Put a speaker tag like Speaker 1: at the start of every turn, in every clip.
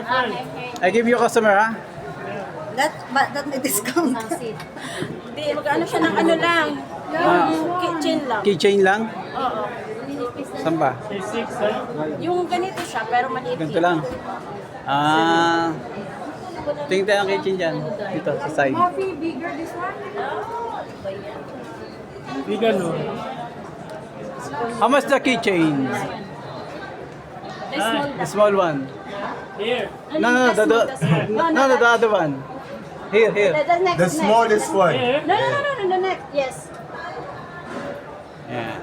Speaker 1: I give you customer, ha?
Speaker 2: That may discount.
Speaker 3: Hindi, mag-ano siya ng ano lang. Yung kitchen lang.
Speaker 1: Keychain lang?
Speaker 3: Oo.
Speaker 1: Saan ba?
Speaker 3: Yung ganito siya, pero maliit
Speaker 1: Ganito lang. Ah, tingin tayo ang keychain dyan. Dito, sa side.
Speaker 2: Coffee, bigger this one?
Speaker 4: Bigger no.
Speaker 1: How much the keychain? The small one.
Speaker 4: Here.
Speaker 1: No, the other one. Here.
Speaker 3: The next,
Speaker 5: The smallest one.
Speaker 4: Here.
Speaker 3: No, the next. Yes.
Speaker 1: Yeah.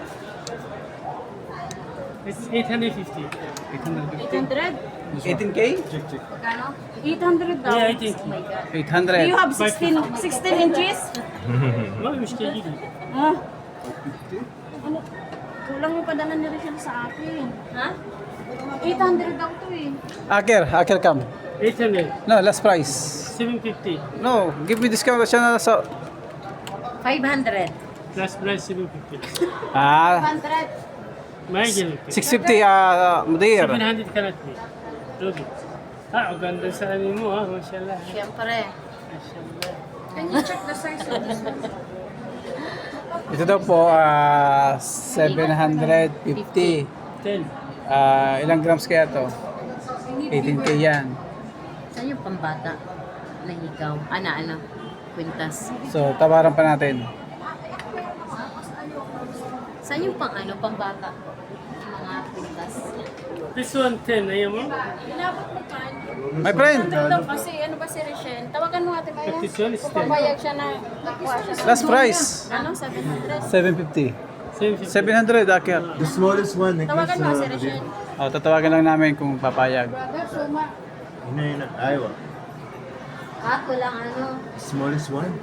Speaker 4: It's 850.
Speaker 3: 800?
Speaker 1: 18K?
Speaker 3: 800 daw.
Speaker 4: Yeah, I think.
Speaker 3: Oh my God.
Speaker 1: 800.
Speaker 3: Do you have 16 inches?
Speaker 4: ما مشكلة.
Speaker 3: Ah. Ano? Kulang yung padala ni Rachel sa akin. Ha? 800 daw to eh.
Speaker 1: Aker, come.
Speaker 4: 800.
Speaker 1: No, last price.
Speaker 4: 750.
Speaker 1: No, give me discount siya na sa...
Speaker 2: 500.
Speaker 4: Last price 750.
Speaker 1: Ah,
Speaker 3: 100.
Speaker 4: ما يجي
Speaker 1: 650, Mudir.
Speaker 4: 700 كانت لي. روبي. ganda sa ano mo ha, mashallah.
Speaker 3: Siyempre.
Speaker 4: Mashallah.
Speaker 2: Can you check the size of this one?
Speaker 1: Ito daw po, 750.
Speaker 4: 10.
Speaker 1: Ilang grams kaya to? 18K yan.
Speaker 2: Saan yung pambata na ikaw? Ano? Quintas.
Speaker 1: So, tawaran pa natin.
Speaker 2: Saan yung pambata? Mga quintas.
Speaker 4: This one 10, ayaw mo?
Speaker 3: Inabot mo pa.
Speaker 1: My friend,
Speaker 3: 100 daw kasi ano ba si Rachel? Tawagan mo ate Maya.
Speaker 4: This one is
Speaker 3: Kung
Speaker 4: 10.
Speaker 3: papayag siya na nakuha siya sa...
Speaker 1: last price.
Speaker 3: Ano? 700?
Speaker 1: 750.
Speaker 4: 750.
Speaker 1: 700, Aker.
Speaker 5: The smallest one.
Speaker 3: Tawagan mo si Rachel.
Speaker 1: Tatawagan lang namin kung papayag.
Speaker 5: Yun. Ayaw.
Speaker 2: Ako lang ano.
Speaker 5: Smallest one.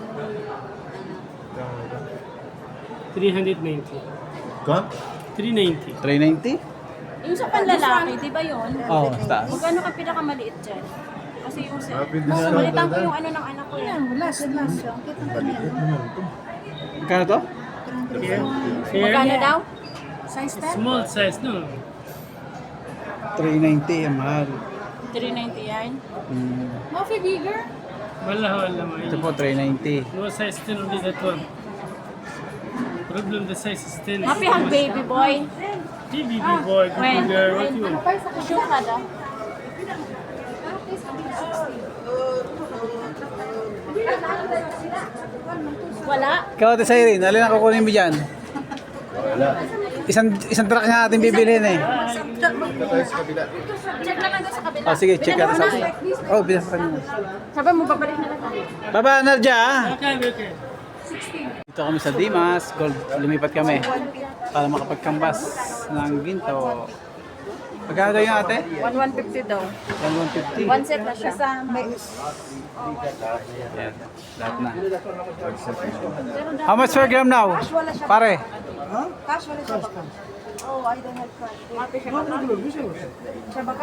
Speaker 4: 390.
Speaker 5: Come.
Speaker 4: 390.
Speaker 1: 390?
Speaker 3: Yung sa panlalaki, di ba yun?
Speaker 1: Oo, taas.
Speaker 3: Magkano ka pinakamaliit dyan? Kasi yung sa...
Speaker 5: Happy discount.
Speaker 3: Balitan ko yung ano ng anak ko yan.
Speaker 2: Last.
Speaker 5: Balikat mo naman ito.
Speaker 1: Magkano to?
Speaker 4: Here.
Speaker 3: Magkano
Speaker 4: Here.
Speaker 3: daw?
Speaker 4: Small size, no?
Speaker 1: 390, ang mahal.
Speaker 3: 390 yan.
Speaker 2: Coffee bigger?
Speaker 4: Wala.
Speaker 1: Ito po, 390.
Speaker 4: No size 10 only that one. Problem the size is 10.
Speaker 3: Happy hug baby boy.
Speaker 4: Baby boy,
Speaker 3: When?
Speaker 4: baby girl, what you want?
Speaker 3: Sure ka daw? Wala?
Speaker 1: Ikaw, Ate Siren, alin ang kukunin mo dyan?
Speaker 5: Wala.
Speaker 1: Isang truck na natin bibilhin eh.
Speaker 3: Check lang doon sa kabila.
Speaker 1: Sige, check
Speaker 3: Bilan
Speaker 1: natin
Speaker 3: mo
Speaker 1: sa...
Speaker 3: na.
Speaker 1: Oh, bilang sa kanina.
Speaker 3: Sabi mo, babalik na lang tayo.
Speaker 1: Baba, Narja, ah.
Speaker 4: Okay.
Speaker 1: Dito kami sa Dimas, Gold, lumipat kami para makapagkambas ng ginto. Magkano daw yun, ate?
Speaker 3: 150 daw.
Speaker 1: 150.
Speaker 3: One set na siya.
Speaker 1: Yan, lahat na. How much per gram now? Pare?
Speaker 2: Cash wala siya baka. Oh, I don't have cash. Siya baka?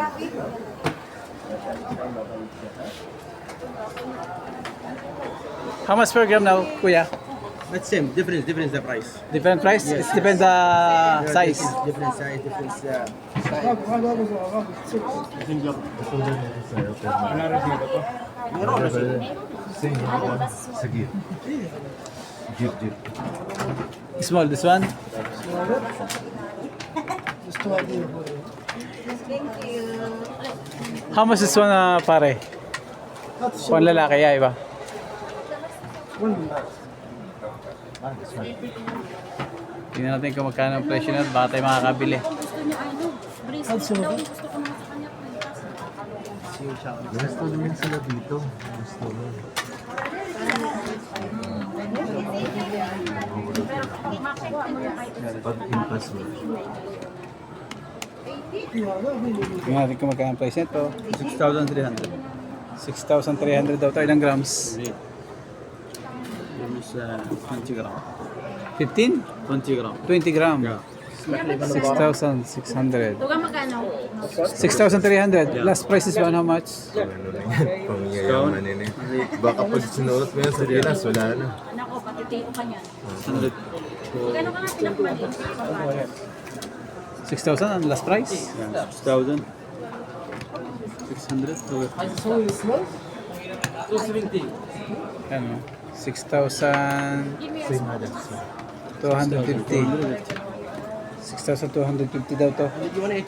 Speaker 1: How much per gram now, kuya?
Speaker 6: But same, difference the price.
Speaker 1: Different price? It depends the size.
Speaker 6: Different size, different
Speaker 5: Sige. Jeep.
Speaker 1: Small, this one? How much this one, pare? Pang lalaki, yeah, iba? Tingnan natin kung magkano ang presyo na, baka tayo makakabili.
Speaker 3: Gusto niya ano, bracelet daw. Gusto ko naman sa kanya.
Speaker 5: Gusto naman sila dito. Gusto mo. Pag-impas mo.
Speaker 1: Tingnan natin kung magkano ang price nito.
Speaker 6: 6,300.
Speaker 1: 6,300 daw ito. Ilang grams?
Speaker 6: This is 20 gram.
Speaker 1: 15?
Speaker 6: 20 gram.
Speaker 1: 20 gram.
Speaker 6: Yeah.
Speaker 1: 6,600.
Speaker 3: Tuga magkano?
Speaker 1: 6,300. Last price is one, how much?
Speaker 5: Ano lang yan? Pangyayaman yun eh. Baka pag sinuot mo yan sa Pinas, wala na.
Speaker 3: Anak ko, patitiyo ka niyan.
Speaker 6: 100.
Speaker 3: Magkano ka nga pinakamaliit?
Speaker 1: 6,000 ang last price?
Speaker 6: Yeah, 6,000. 600.
Speaker 1: Ano? 6,250. 6,250 daw to.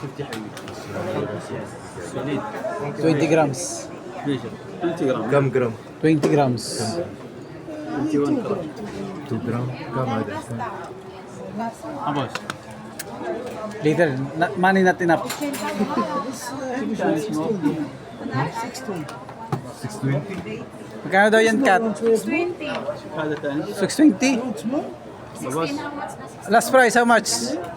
Speaker 1: 20 grams.
Speaker 6: ليش 20 جرام.
Speaker 5: كم جرام؟
Speaker 1: 20 grams.
Speaker 6: 21 جرام.
Speaker 5: 2 جرام كم هذا؟
Speaker 6: عباس.
Speaker 1: Later, money not enough.
Speaker 5: 620.
Speaker 1: Magkano daw yan, Kat?
Speaker 3: 20.
Speaker 6: هذا ثاني.
Speaker 1: 620?
Speaker 3: 16 how much na?
Speaker 1: Last price, how much?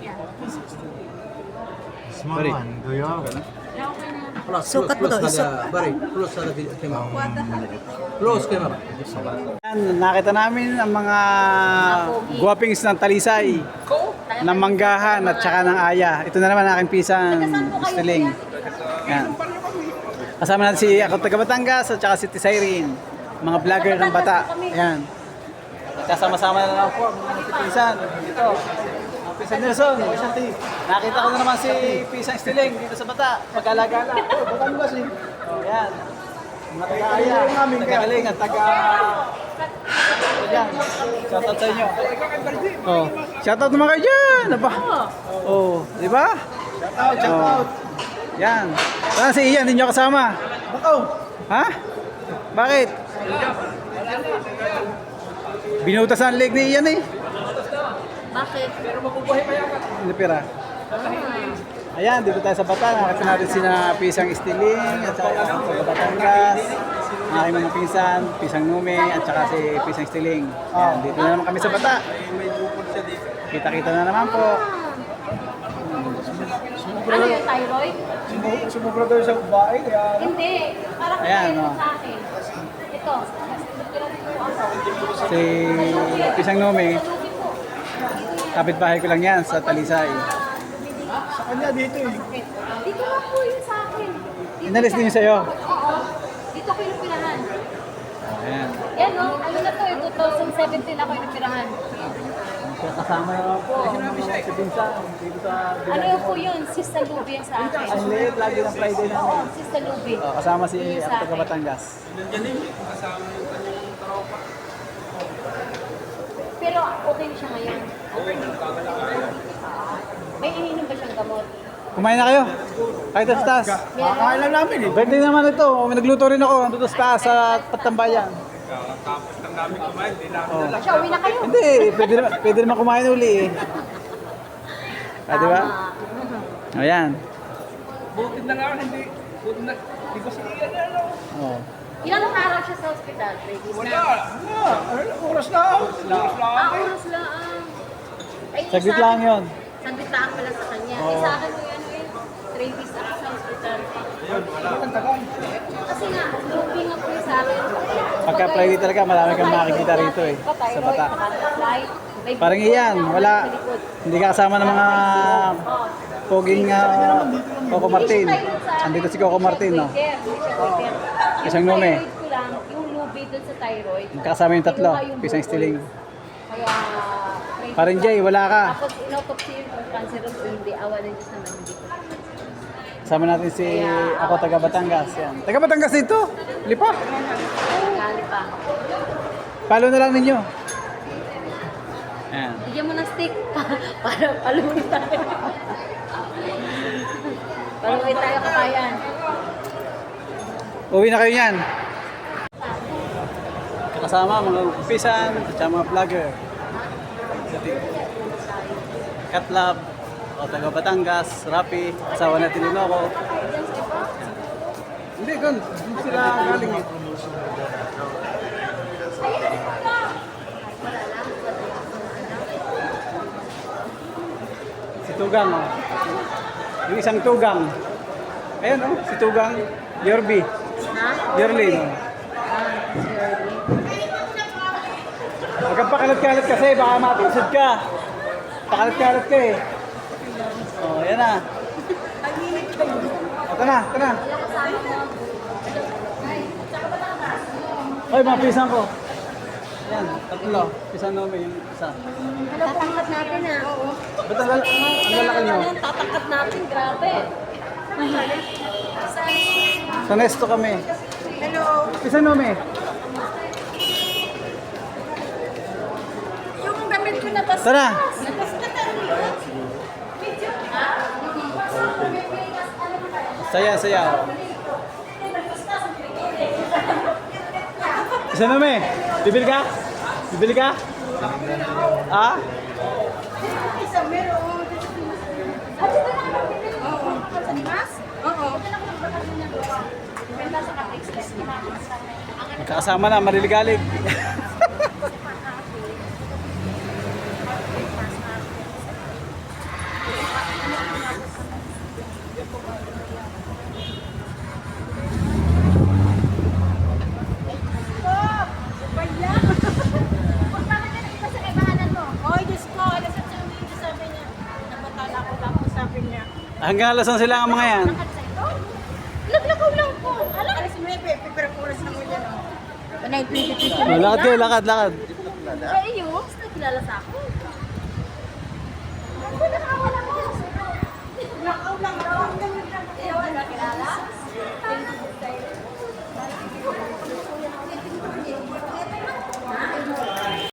Speaker 5: Small one. Do you have?
Speaker 6: خلاص
Speaker 2: Sukat mo daw,
Speaker 6: هذا بري فلوس هذا في الكاميرا. فلوس كاميرا.
Speaker 1: Yan, nakita namin ang mga guwapings ng Talisay, ng Manggahan at saka ng Aya. Ito na naman ang aking pisang Stiling. Yan. Kasama natin si ako taga Batangas at saka si Tisayrin, mga vlogger ng Bata. Yan. Kasama-sama na lang po ang mga pisan. Dito. Ang Pisan Nelson, Pisan T. Nakita ko na naman si Pisang Stiling dito sa Bata. Pag-alagala. Batangas eh. Yan. Mga taga-aya, taga-aling at taga... Yan. Shoutout sa inyo. Oh, shoutout naman kayo dyan. Aba. Oh, di ba? Shoutout. Yan. Saan si Ian? Hindi nyo kasama? Ha? Bakit? Binutas ang leg ni Ian eh.
Speaker 3: Bakit?
Speaker 1: Hindi pera. Ayan, dito tayo sa Bata. Nakita natin sina Pisang Stiling at saka sa Batangas. Ang aking mga pinsan, Pisang Nume at saka si Pisang Stiling. Ayan, dito na naman kami sa Bata. Kita-kita na naman po.
Speaker 3: Ano yung thyroid?
Speaker 1: Sumubra daw sa babae kaya...
Speaker 3: Hindi. Parang
Speaker 1: Ayan,
Speaker 3: kaya
Speaker 1: oh.
Speaker 3: sa akin. Ito.
Speaker 1: Si Pisang Nume, kapitbahay ko lang yan sa Talisay.
Speaker 3: Sa kanya dito eh. Dito lang po yun sa akin.
Speaker 1: Inalis din yun sa'yo.
Speaker 3: Oo. Dito ko yung pinahan.
Speaker 1: Ayan.
Speaker 3: Yan o. Ano na to eh. 2017 ako yung pinahan.
Speaker 1: Kaya kasama naman po ang mga si Pinsan dito sa...
Speaker 3: Ano yung po yun? Sister Luby yan sa akin.
Speaker 1: Ang late, lagi ng Friday
Speaker 3: Oo.
Speaker 1: namin.
Speaker 3: Sister Luby.
Speaker 1: Oh, kasama si ako taga Batangas.
Speaker 3: Pero okay na siya ngayon. May ininom ba siyang gamot?
Speaker 1: Kumain na kayo? Kahit sa taas.
Speaker 3: Meron?
Speaker 1: lang namin eh. Birthday naman ito. May nagluto rin ako. Nandito sa taas sa Patambayan. Oh.
Speaker 3: Siya, uwi na kayo.
Speaker 1: Hindi, pwede naman kumain uli eh. Ah, di ba? O yan.
Speaker 4: Bukid na nga, hindi. Bukid na. Di ba si Ian yan, no?
Speaker 1: Oh.
Speaker 3: Ilang araw siya sa ospital? Ladies
Speaker 4: Wala.
Speaker 3: na.
Speaker 4: Oras lang.
Speaker 3: Oras lang. Ay,
Speaker 1: Saglit
Speaker 3: sa
Speaker 1: lang
Speaker 3: akin-
Speaker 1: yun.
Speaker 3: Saglit lang pala sa kanya.
Speaker 1: Oo.
Speaker 3: Sa akin ko yan eh. 3 days ako sa ospital. Kasi nga, looking up ko sa akin.
Speaker 1: Pagka Friday talaga, marami kang makikita rito eh. Sa Bata. Parang iyan, wala. Hindi ka kasama ng mga poging Coco Martin. Andito si Coco Martin, no? Isang Nume.
Speaker 3: Yung thyroid ko lang, yung lubi dun sa thyroid.
Speaker 1: Magkasama yung tatlo, Pisang Stiling.
Speaker 3: Kaya,
Speaker 1: Parang Jay, wala ka.
Speaker 3: Tapos inotopsy yung kung cancer of hindi. Awa ng Diyos naman hindi ko.
Speaker 1: Kasama natin si ako taga Batangas. Yan. Taga Batangas dito. Lipa.
Speaker 3: Gali pa.
Speaker 1: Follow na lang ninyo. Yan.
Speaker 3: Bigyan mo ng stick para paluin tayo. Paluin tayo kabayan.
Speaker 1: Uwi na kayo yan. Kasama mga pisan at saka mga vlogger. Katlab, o taga Batangas, Rapi, asawa na Tininoco. Hindi, gun. Hindi sila galing eh. Si Tugang, oh. Yung isang Tugang. Ayun, oh, si Tugang, Yorby.
Speaker 3: Ha?
Speaker 1: Yerlin. Huwag kang pakalat-kalat kasi, baka matusod ka. Pakalat-kalat ka eh. Oh, yan na. Ito na, ito na. Oy, mga pisan ko. Yan, tatlo. Pisan namin yung isa.
Speaker 3: Tatangkat natin ah.
Speaker 1: Ba't ang lalaki nyo?
Speaker 3: Tatangkat natin, grabe.
Speaker 1: Sa Nesto kami.
Speaker 2: Hello.
Speaker 1: Isa nome.
Speaker 3: Yung gamit ko na basta.
Speaker 1: Tara. Saya, saya. Isa nome. Bibili ka? Bibili ka? Ah?
Speaker 2: Isa meron.
Speaker 3: Sa Dimas?
Speaker 2: Oo.
Speaker 3: Benta sa Kapixles.
Speaker 1: Magkakasama na, mariligalig. Hanggang alas sila ang mga yan.
Speaker 3: Naglakaw lang po. Alam,
Speaker 2: Alas 9, pero oras na mo dyan. 9:20.
Speaker 1: Lakad kayo, lakad, lakad.
Speaker 3: kayo, nakilala sa ako.